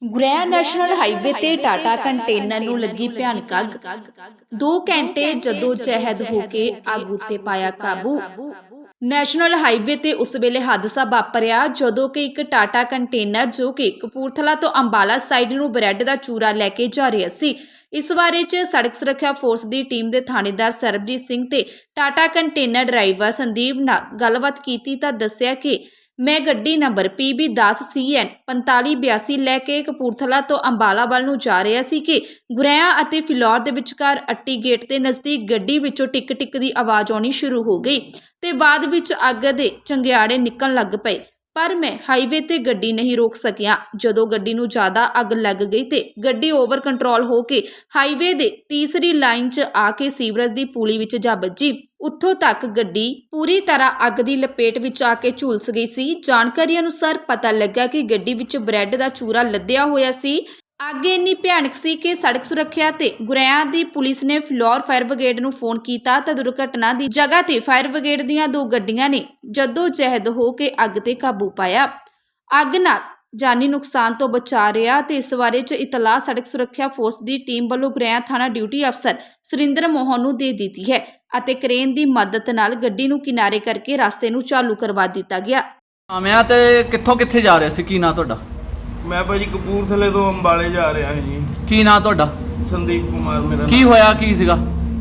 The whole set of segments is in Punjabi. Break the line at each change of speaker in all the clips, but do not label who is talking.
ਗੁਰੇਆ ਨੈਸ਼ਨਲ ਹਾਈਵੇ ਤੇ ਟਾਟਾ ਕੰਟੇਨਰ ਨੂੰ ਲੱਗੀ ਭਿਆਨਕ ਅੱਗ। 2 ਘੰਟੇ ਜਦੋਂ ਜਹਿਦ ਹੋ ਕੇ ਅੱਗ ਉੱਤੇ ਪਾਇਆ ਕਾਬੂ। ਨੈਸ਼ਨਲ ਹਾਈਵੇ ਤੇ ਉਸ ਵੇਲੇ ਹਾਦਸਾ ਵਾਪਰਿਆ ਜਦੋਂ ਕਿ ਇੱਕ ਟਾਟਾ ਕੰਟੇਨਰ ਜੋ ਕਿ ਕਪੂਰਥਲਾ ਤੋਂ ਅੰਬਾਲਾ ਸਾਈਡ ਨੂੰ ਬ੍ਰੈਡ ਦਾ ਚੂਰਾ ਲੈ ਕੇ ਜਾ ਰਿਹਾ ਸੀ। ਇਸ ਬਾਰੇ ਚ ਸੜਕ ਸੁਰੱਖਿਆ ਫੋਰਸ ਦੀ ਟੀਮ ਦੇ ਥਾਣੇਦਾਰ ਸਰਬਜੀਤ ਸਿੰਘ ਤੇ ਟਾਟਾ ਕੰਟੇਨਰ ਡਰਾਈਵਰ ਸੰਦੀਪ ਨਾਲ ਗੱਲਬਾਤ ਕੀਤੀ ਤਾਂ ਦੱਸਿਆ ਕਿ ਮੈਂ ਗੱਡੀ ਨੰਬਰ PB 10 CN 4582 ਲੈ ਕੇ ਕਪੂਰਥਲਾ ਤੋਂ ਅੰਬਾਲਾ ਵੱਲ ਨੂੰ ਜਾ ਰਿਹਾ ਸੀ ਕਿ ਗੁਰੇਆ ਅਤੇ ਫਿਲੌਰ ਦੇ ਵਿਚਕਾਰ ਅੱਟੀ ਗੇਟ ਦੇ ਨਜ਼ਦੀਕ ਗੱਡੀ ਵਿੱਚੋਂ ਟਿਕ ਟਿਕ ਦੀ ਆਵਾਜ਼ ਆਉਣੀ ਸ਼ੁਰੂ ਹੋ ਗਈ ਤੇ ਬਾਅਦ ਵਿੱਚ ਅੱਗ ਦੇ ਚੰਗਿਆੜੇ ਨਿਕਲਣ ਲੱਗ ਪਏ। ਪਰ ਮੈਂ ਹਾਈਵੇ ਤੇ ਗੱਡੀ ਨਹੀਂ ਰੋਕ ਸਕਿਆ। ਜਦੋਂ ਗੱਡੀ ਨੂੰ ਜ਼ਿਆਦਾ ਅੱਗ ਲੱਗ ਗਈ ਤੇ ਗੱਡੀ ਓਵਰ ਕੰਟਰੋਲ ਹੋ ਕੇ ਹਾਈਵੇ ਦੇ ਤੀਸਰੀ ਲਾਈਨ 'ਚ ਆ ਕੇ ਸੀਵਰੇਜ ਦੀ ਪੁਲੀ ਵਿੱਚ ਜਾ ਵੱਜੀ। ਉੱਥੋਂ ਤੱਕ ਗੱਡੀ ਪੂਰੀ ਤਰ੍ਹਾਂ ਅੱਗ ਦੀ ਲਪੇਟ ਵਿੱਚ ਆ ਕੇ ਝੁਲਸ ਗਈ ਸੀ। ਜਾਣਕਾਰੀ ਅਨੁਸਾਰ ਪਤਾ ਲੱਗਾ ਕਿ ਗੱਡੀ ਵਿੱਚ ਬ੍ਰੈਡ ਦਾ ਚੂਰਾ ਲੱਦਿਆ ਹੋਇਆ ਸੀ। ਅੱਗ ਇੰਨੀ ਭਿਆਨਕ ਸੀ ਕਿ ਸੜਕ ਸੁਰੱਖਿਆ ਤੇ ਗੁਰੇਆ ਦੀ ਪੁਲਿਸ ਨੇ ਫਿਲੌਰ ਫਾਇਰ ਬ੍ਰਿਗੇਡ ਨੂੰ ਫੋਨ ਕੀਤਾ ਤਾਂ ਦੁਰਘਟਨਾ ਦੀ ਜਗ੍ਹਾ ਤੇ ਫਾਇਰ ਬ੍ਰਿਗੇਡ ਦੀਆਂ 2 ਗੱਡੀਆਂ ਨੇ ਜੱਦੋ ਜਹਿਦ ਹੋ ਕੇ ਅੱਗ ਤੇ ਕਾਬੂ ਪਾਇਆ। ਅੱਗ ਨਾਲ ਜਾਨੀ ਨੁਕਸਾਨ ਤੋਂ ਬਚਾ ਰਿਹਾ ਤੇ ਇਸ ਬਾਰੇ ਚ ਇਤਲਾਹ ਸੜਕ ਸੁਰੱਖਿਆ ਫੋਰਸ ਦੀ ਟੀਮ ਵੱਲੋਂ ਗੁਰੇਆ ਥਾਣਾ ਡਿਊਟੀ ਅਫਸਰ ਸੁਰਿੰਦਰ ਮੋਹਨ ਨੂੰ ਦੇ ਦਿੱਤੀ ਹੈ ਅਤੇ ਕ੍ਰੇਨ ਦੀ ਮਦਦ ਨਾਲ ਗੱਡੀ ਨੂੰ ਕਿਨਾਰੇ ਕਰਕੇ ਰਸਤੇ ਨੂੰ ਚਾਲੂ ਕਰਵਾ ਦਿੱਤਾ ਗਿਆ।
ਆਮਿਆ ਤੇ ਕਿੱਥੋਂ ਕਿੱਥੇ ਜਾ ਰਿਹਾ ਸੀ? ਕੀ ਨਾਂ ਤੁਹਾਡਾ?
ਮੈਂ ਭਾਜੀ ਕਪੂਰਥਲੇ ਤੋਂ ਅੰਬਾਲੇ ਜਾ ਰਿਹਾ ਹਾਂ ਜੀ।
ਕੀ ਨਾਂ ਤੁਹਾਡਾ?
ਸੰਦੀਪ ਕੁਮਾਰ ਮੇਰਾ
ਕੀ ਹੋਇਆ? ਕੀ ਸੀਗਾ?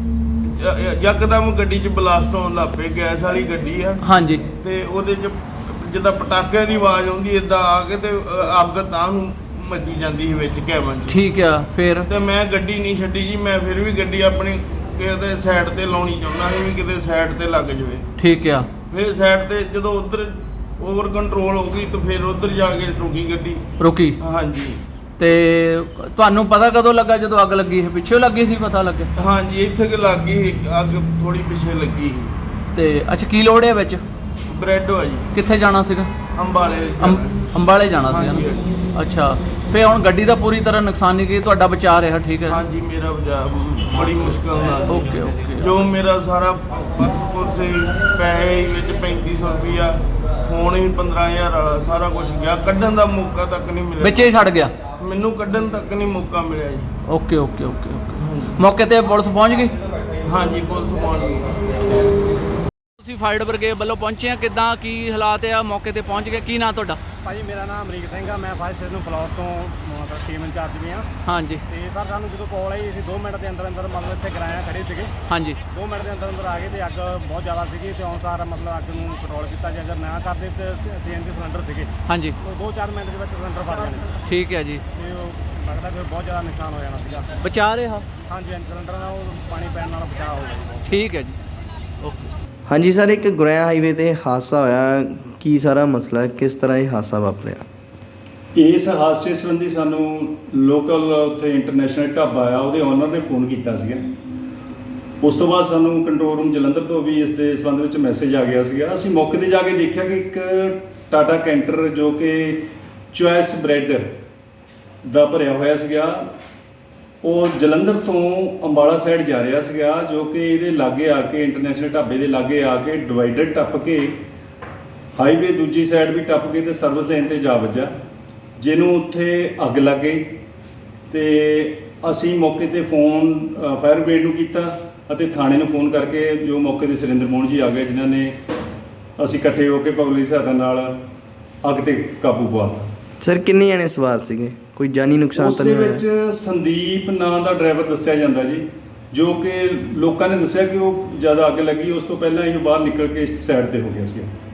ਯਕਦਮ ਗੱਡੀ 'ਚ ਬਲਾਸਟ ਹੋਣ ਲੱਗ ਪਏ। ਗੈਸ ਵਾਲੀ ਗੱਡੀ ਆ
ਹਾਂਜੀ।
ਤੇ ਉਹਦੇ 'ਚ ਜਿੱਦਾਂ ਪਟਾਕਿਆਂ ਦੀ ਆਵਾਜ਼ ਆਉਂਦੀ ਇਦਾਂ ਆ ਕੇ ਤੇ ਅੱਗ ਤਾਂ ਨੂੰ ਮੱਜੀ ਜਾਂਦੀ ਸੀ ਵਿੱਚ ਕੈਬਨ 'ਚ।
ਠੀਕ ਆ। ਫਿਰ
ਤੇ ਮੈਂ ਗੱਡੀ ਨਹੀਂ ਛੱਡੀ ਜੀ। ਮੈਂ ਫਿਰ ਵੀ ਗੱਡੀ ਆਪਣੀ ਕਿਤੇ ਸਾਈਡ ਤੇ ਲਾਉਣੀ ਚਾਹੁੰਦਾ ਸੀ ਵੀ ਕਿਤੇ ਸਾਈਡ ਤੇ ਲੱਗ ਜਾਵੇ।
ਠੀਕ ਆ।
ਫਿਰ ਸਾਈਡ ਤੇ ਜਦੋਂ ਉਧਰ ਓਵਰ ਕੰਟਰੋਲ ਹੋ ਗਈ ਤਾਂ ਫਿਰ ਉਧਰ ਜਾ ਕੇ ਰੁਕੀ ਗੱਡੀ।
ਰੁਕੀ?
ਹਾਂਜੀ।
ਤੇ ਤੁਹਾਨੂੰ ਪਤਾ ਕਦੋਂ ਲੱਗਾ ਜਦੋਂ ਅੱਗ ਲੱਗੀ? ਪਿੱਛੇ ਲੱਗੀ ਸੀ? ਪਤਾ ਲੱਗਿਆ?
ਹਾਂਜੀ, ਇੱਥੇ ਕਿ ਲੱਗ ਗਈ ਅੱਗ, ਥੋੜੀ ਪਿੱਛੇ ਲੱਗੀ ਸੀ।
ਤੇ ਅੱਛਾ, ਕੀ ਲੋੜ ਹੈ ਵਿੱਚ?
ਬ੍ਰੈਡ ਆ ਜੀ।
ਕਿੱਥੇ ਜਾਣਾ ਸੀਗਾ?
ਅੰਬਾਲੇ
ਅੰਬਾਲੇ ਜਾਣਾ ਸੀਗਾ
ਹਾਂਜੀ,
ਨਾ? ਅੱਛਾ। ਫਿਰ ਹੁਣ ਗੱਡੀ ਦਾ ਪੂਰੀ ਤਰ੍ਹਾਂ ਨੁਕਸਾਨ ਨਹੀਂ ਕੀਤਾ, ਤੁਹਾਡਾ ਬਚਾ ਰਿਹਾ? ਠੀਕ ਹੈ।
ਹਾਂਜੀ, ਮੇਰਾ ਬਚਾ ਬੜੀ ਮੁਸ਼ਕਲ ਨਾਲ।
Okay okay.
ਜੋ ਮੇਰਾ ਸਾਰਾ ਪਰਸ ਸੀ, ਪੈਸੇ ਵਿੱਚ 3500 ਰੁਪਇਆ, ਫੋਨ ਹੀ 15000 ਵਾਲਾ, ਸਾਰਾ ਕੁਝ ਗਿਆ। ਕੱਢਣ ਦਾ ਮੌਕਾ ਤੱਕ ਨਹੀਂ ਮਿਲਿਆ।
ਵਿੱਚ ਹੀ ਛੱਡ ਗਿਆ?
ਮੈਨੂੰ ਕੱਢਣ ਤੱਕ ਨਹੀਂ ਮੌਕਾ ਮਿਲਿਆ ਜੀ।
Okay okay okay okay. ਮੌਕੇ ਤੇ ਪੁਲਿਸ ਪਹੁੰਚ ਗਈ?
ਹਾਂਜੀ, ਪੁਲਿਸ ਪਹੁੰਚ ਗਈ।
ਤੁਸੀਂ ਫਾਇਰ ਬ੍ਰਿਗੇਡ ਵੱਲੋਂ ਪਹੁੰਚੇ ਆ, ਕਿੱਦਾਂ ਕੀ ਹਾਲਾਤ ਆ? ਮੌਕੇ ਤੇ ਪਹੁੰਚ ਗਏ। ਕੀ ਨਾਂ ਤੁਹਾਡਾ?
ਭਾਜੀ ਮੇਰਾ ਨਾਮ ਅਮਰੀਕ ਸਿੰਘ ਆ। ਮੈਂ ਫਾਇਰ ਸਟੇਸ਼ਨ ਫਲੋਰ ਤੋਂ ਮਤਲਬ ਟੀਮ ਇੰਚਾਰਜ ਵੀ ਹਾਂ।
ਹਾਂਜੀ।
ਤੇ ਸਰ ਸਾਨੂੰ ਜਦੋਂ ਕਾਲ ਆਈ ਅਸੀਂ 2 ਮਿੰਟ ਦੇ ਅੰਦਰ ਮਤਲਬ ਇੱਥੇ ਕਿਰਾਇਆ ਖੜੇ ਸੀਗੇ।
ਹਾਂਜੀ।
2 ਮਿੰਟ ਦੇ ਅੰਦਰ ਆ ਗਏ ਤੇ ਅੱਗ ਬਹੁਤ ਜ਼ਿਆਦਾ ਸੀਗੀ ਤੇ ਅਨੁਸਾਰ ਮਤਲਬ ਅੱਗ ਨੂੰ ਕੰਟਰੋਲ ਕੀਤਾ। ਜੇ ਅਗਰ ਨਾ ਕਰਦੇ ਤੇ CNG ਸਿਲੰਡਰ ਸੀਗੇ।
ਹਾਂਜੀ।
ਉਹ 2-4 ਮਿੰਟ ਦੇ ਵਿੱਚ ਸਿਲੰਡਰ ਫਟ ਜਾਣੇ।
ਠੀਕ ਹੈ ਜੀ।
ਤੇ ਉਹ ਲੱਗਦਾ ਫਿਰ ਬਹੁਤ ਜ਼ਿਆਦਾ ਨੁਕਸਾਨ ਹੋ ਜਾਣਾ ਸੀਗਾ।
ਬਚਾ ਰਿਹਾ?
ਹਾਂਜੀ, ਸਿਲੰਡਰ ਨਾਲ ਉਹ ਪਾਣੀ ਪੈਣ ਨਾਲ ਬਚਾਅ ਹੋ ਗਿਆ।
ਠੀਕ ਹੈ ਜੀ। ਓਕੇ।
ਹਾਂਜੀ ਸਰ, ਇੱਕ ਗੁਰੇਆ ਹਾਈਵੇ ਤੇ ਹਾਦਸਾ ਹੋਇਆ, ਕੀ ਸਾਰਾ ਮਸਲਾ ਹੈ? ਕਿਸ ਤਰ੍ਹਾਂ ਇਹ ਹਾਦਸਾ ਵਾਪਰਿਆ?
ਇਸ ਹਾਦਸੇ ਸੰਬੰਧੀ ਸਾਨੂੰ ਲੋਕਲ ਉੱਥੇ ਇੰਟਰਨੈਸ਼ਨਲ ਢਾਬਾ ਆ ਉਹਦੇ ਓਨਰ ਨੇ ਫੋਨ ਕੀਤਾ ਸੀਗਾ। ਉਸ ਤੋਂ ਬਾਅਦ ਸਾਨੂੰ ਕੰਟਰੋਲ ਰੂਮ ਜਲੰਧਰ ਤੋਂ ਵੀ ਇਸ ਦੇ ਸੰਬੰਧ ਵਿੱਚ ਮੈਸੇਜ ਆ ਗਿਆ ਸੀਗਾ। ਅਸੀਂ ਮੌਕੇ 'ਤੇ ਜਾ ਕੇ ਦੇਖਿਆ ਕਿ ਇੱਕ ਟਾਟਾ ਕੈਂਟਰ ਜੋ ਕਿ ਚੁਆਇਸ ਬ੍ਰੈਡ ਦਾ ਭਰਿਆ ਹੋਇਆ ਸੀਗਾ, ਉਹ ਜਲੰਧਰ ਤੋਂ ਅੰਬਾਲਾ ਸਾਈਡ ਜਾ ਰਿਹਾ ਸੀਗਾ, ਜੋ ਕਿ ਇਹਦੇ ਲਾਗੇ ਆ ਕੇ ਇੰਟਰਨੈਸ਼ਨਲ ਢਾਬੇ ਦੇ ਲਾਗੇ ਆ ਕੇ ਡਿਵਾਈਡਰ ਟੱਪ ਕੇ ਹਾਈਵੇ ਦੂਜੀ ਸਾਈਡ ਵੀ ਟੱਪ ਕੇ ਤੇ ਸਰਵਿਸ ਲੇਨ ਤੇ ਜਾ ਵੱਜਾ, ਜਿਹਨੂੰ ਉੱਥੇ ਅੱਗ ਲੱਗ ਗਈ। ਤੇ ਅਸੀਂ ਮੌਕੇ ਤੇ ਫੋਨ ਫਾਇਰ ਬ੍ਰਿਗੇਡ ਨੂੰ ਕੀਤਾ ਅਤੇ ਥਾਣੇ ਨੂੰ ਫੋਨ ਕਰਕੇ ਜੋ ਮੌਕੇ ਤੇ ਸੁਰਿੰਦਰ ਮੋਹਨ ਜੀ ਆ ਗਏ, ਜਿਨ੍ਹਾਂ ਨੇ ਅਸੀਂ ਇਕੱਠੇ ਹੋ ਕੇ ਪਬਲਿਕ ਸਹਾਇਤਾ ਨਾਲ ਅੱਗ ਤੇ ਕਾਬੂ ਪਾਇਆ।
ਸਰ, ਕਿੰਨੇ ਜਣੇ ਸਵਾਰ ਸੀਗੇ? ਕੋਈ ਜਾਨੀ ਨੁਕਸਾਨ ਤਾਂ ਨਹੀਂ ਹੋਇਆ?
ਉਸ ਦੇ ਵਿੱਚ ਸੰਦੀਪ ਨਾਂ ਦਾ ਡਰਾਈਵਰ ਦੱਸਿਆ ਜਾਂਦਾ ਜੀ, ਜੋ ਕਿ ਲੋਕਾਂ ਨੇ ਦੱਸਿਆ ਕਿ ਉਹ ਜ਼ਿਆਦਾ ਅੱਗ ਲੱਗੀ, ਉਸ ਤੋਂ ਪਹਿਲਾਂ ਇਹ ਬਾਹਰ ਨਿਕਲ ਕੇ ਸਾਈਡ ਤੇ ਹੋ ਗਿਆ ਸੀ।